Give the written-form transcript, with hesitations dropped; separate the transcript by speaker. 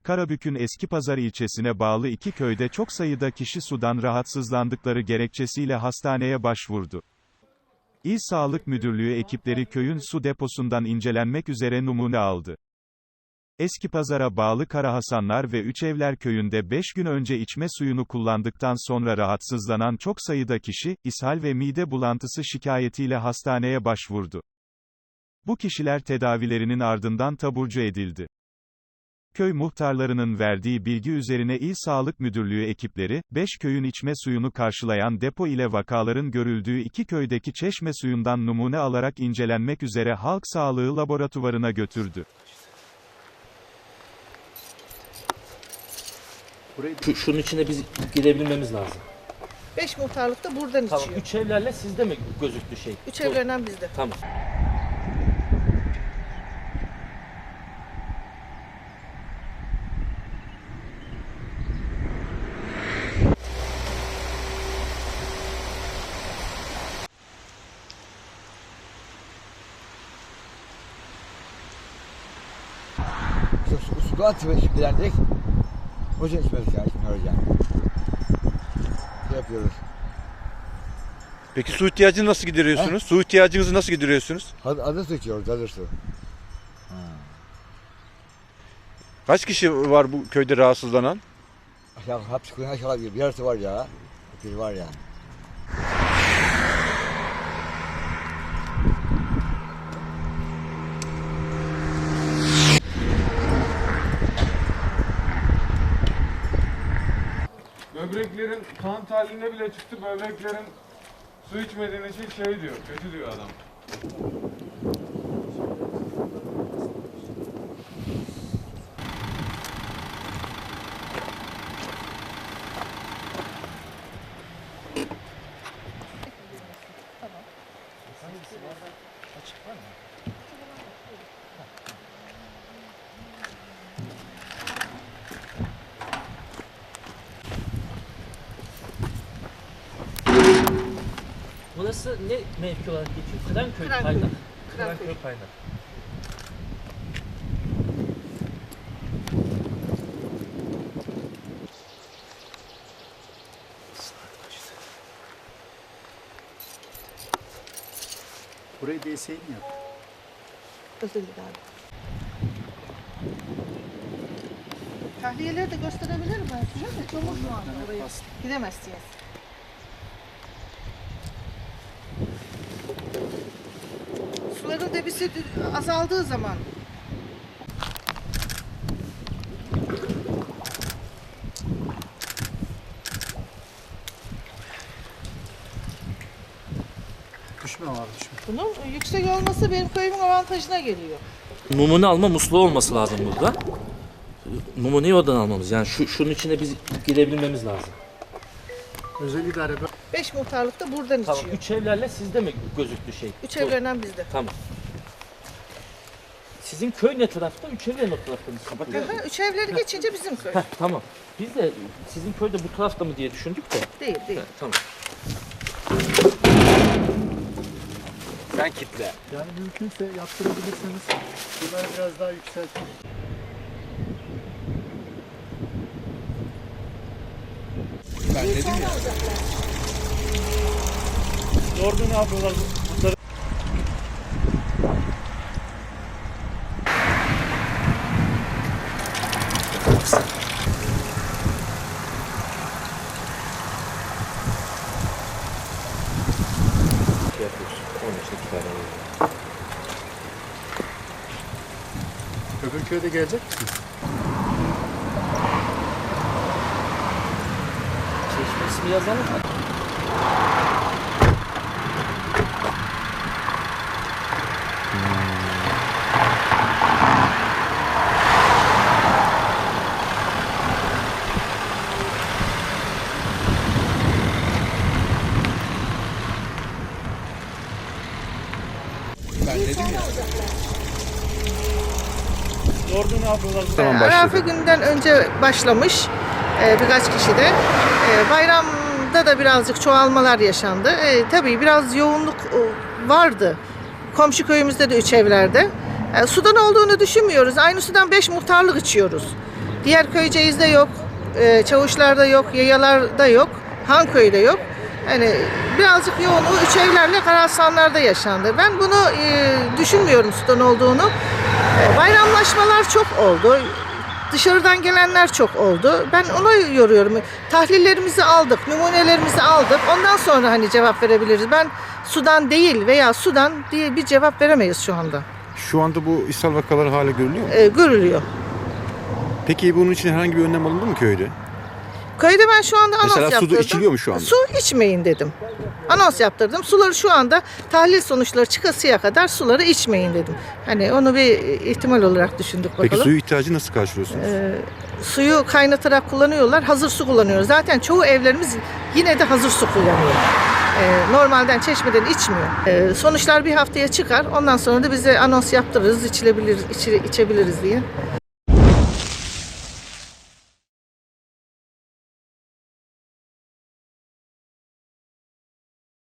Speaker 1: Karabük'ün Eskipazarı ilçesine bağlı iki köyde çok sayıda kişi sudan rahatsızlandıkları gerekçesiyle hastaneye başvurdu. İl Sağlık Müdürlüğü ekipleri köyün su deposundan incelenmek üzere numune aldı. Eskipazar'a bağlı Karahasanlar ve Üçevler köyünde 5 gün önce içme suyunu kullandıktan sonra rahatsızlanan çok sayıda kişi, ishal ve mide bulantısı şikayetiyle hastaneye başvurdu. Bu kişiler tedavilerinin ardından taburcu edildi. Köy muhtarlarının verdiği bilgi üzerine İl Sağlık Müdürlüğü ekipleri, 5 köyün içme suyunu karşılayan depo ile vakaların görüldüğü iki köydeki çeşme suyundan numune alarak incelenmek üzere Halk Sağlığı Laboratuvarına götürdü.
Speaker 2: Şunun içine biz girebilmemiz lazım.
Speaker 3: 5 muhtarlık da buradan
Speaker 2: Tamam.
Speaker 3: içiyor.
Speaker 2: 3 evlerle sizde mi gözüktü şey?
Speaker 3: 3 evlerinden bizde.
Speaker 2: Tamam.
Speaker 4: Sudan dilendik. Hoca içmedik ya, içmiyoruz yani. Şey yapıyoruz.
Speaker 5: Peki su ihtiyacını nasıl gideriyorsunuz? Su ihtiyacınızı nasıl gideriyorsunuz?
Speaker 4: Hazır su içiyoruz, hazır su.
Speaker 5: Kaç kişi var bu köyde rahatsızlanan?
Speaker 4: Aşağı, hapsi kuyun aşağı bir yarısı var ya. Bir var ya.
Speaker 6: Böbreklerin kan tahliliğine bile çıktı. Böbreklerin su içmediğin için şey diyor, kötü diyor adam.
Speaker 2: Burası ne mevki olarak geçiyor? Kıranköy
Speaker 3: Kıranköy.
Speaker 2: Kaynak.
Speaker 3: Kıranköy.
Speaker 2: Kıranköy Kaynak.
Speaker 7: Burayı DSİ mi yaptı?
Speaker 3: Özel idare. Tahliyeleri de gösterebilirim ben size de. Çok mu an oraya gidemezsiniz. Suların debisi azaldığı zaman
Speaker 7: Düşme var, düşme.
Speaker 3: bunun yüksek olması benim köyümün avantajına geliyor.
Speaker 2: Numune alma musluğu olması lazım burada. Numuneyi oradan almamız. Yani şunun içine biz girebilmemiz lazım.
Speaker 7: Özel idare
Speaker 3: 5 muhtarlık da buradan
Speaker 2: Tamam.
Speaker 3: içiyor.
Speaker 2: 3 evlerle sizde mi gözüktü şey?
Speaker 3: 3 evlerinden bizde.
Speaker 2: Tamam. Sizin köy ne tarafta? 3 evler ne tarafta? Biz kapatıyoruz.
Speaker 3: 3 evleri geçince bizim köy.
Speaker 2: Heh, tamam. Biz de sizin köyde bu tarafta mı diye düşündük de.
Speaker 3: Değil, değil.
Speaker 2: Heh, tamam.
Speaker 5: Sen kitle.
Speaker 7: yani mümkünse yaptırabilirseniz bunları biraz daha yükseltin.
Speaker 5: Ben dedim ya.
Speaker 7: Orada ne yapıyorlar?
Speaker 2: Şey yapıyoruz. Onun için 2 tane alalım.
Speaker 7: Öbür köyde gelecek misin?
Speaker 2: Çeşme ismi yazalım mı?
Speaker 5: Ben dedim ya.
Speaker 7: Orada ne yapıyorlar?
Speaker 3: Arafa günden önce başlamış birkaç kişi de. Bayramda da birazcık çoğalmalar yaşandı. Tabii biraz yoğunluk vardı. Komşu köyümüzde de 3 evlerde. Sudan olduğunu düşünmüyoruz. Aynı sudan 5 muhtarlık içiyoruz. Diğer Köyceğiz'de yok, Çavuşlar'da yok, Yayalar'da yok, Hanköy'de yok. Yani birazcık yoğunluğu üç evlerle Karahasanlar'da yaşandı. Ben bunu düşünmüyorum sudan olduğunu. Bayramlaşmalar çok oldu. Dışarıdan gelenler çok oldu. Ben ona yoruyorum. Tahlillerimizi aldık, numunelerimizi aldık. Ondan sonra hani cevap verebiliriz. Ben sudan değil veya sudan diye bir cevap veremeyiz şu anda.
Speaker 8: Şu anda bu ishal vakaları hala görülüyor mu?
Speaker 3: Görülüyor.
Speaker 8: Peki bunun için herhangi bir önlem alındı mı köyde?
Speaker 3: Köyde ben şu anda anons
Speaker 8: Mesela su da
Speaker 3: yaptırdım.
Speaker 8: içiliyor mu şu anda?
Speaker 3: Su içmeyin dedim. Anons yaptırdım. Suları şu anda tahlil sonuçları çıkasıya kadar suları içmeyin dedim. Hani onu bir ihtimal olarak düşündük bakalım.
Speaker 8: Peki suyu ihtiyacı nasıl karşılıyorsunuz?
Speaker 3: Suyu kaynatarak kullanıyorlar. Hazır su kullanıyoruz. Zaten çoğu evlerimiz yine de hazır su kullanıyor. Normalden çeşmeden içmiyor. Sonuçlar bir haftaya çıkar. Ondan sonra da bize anons yaptırırız, içebiliriz diye.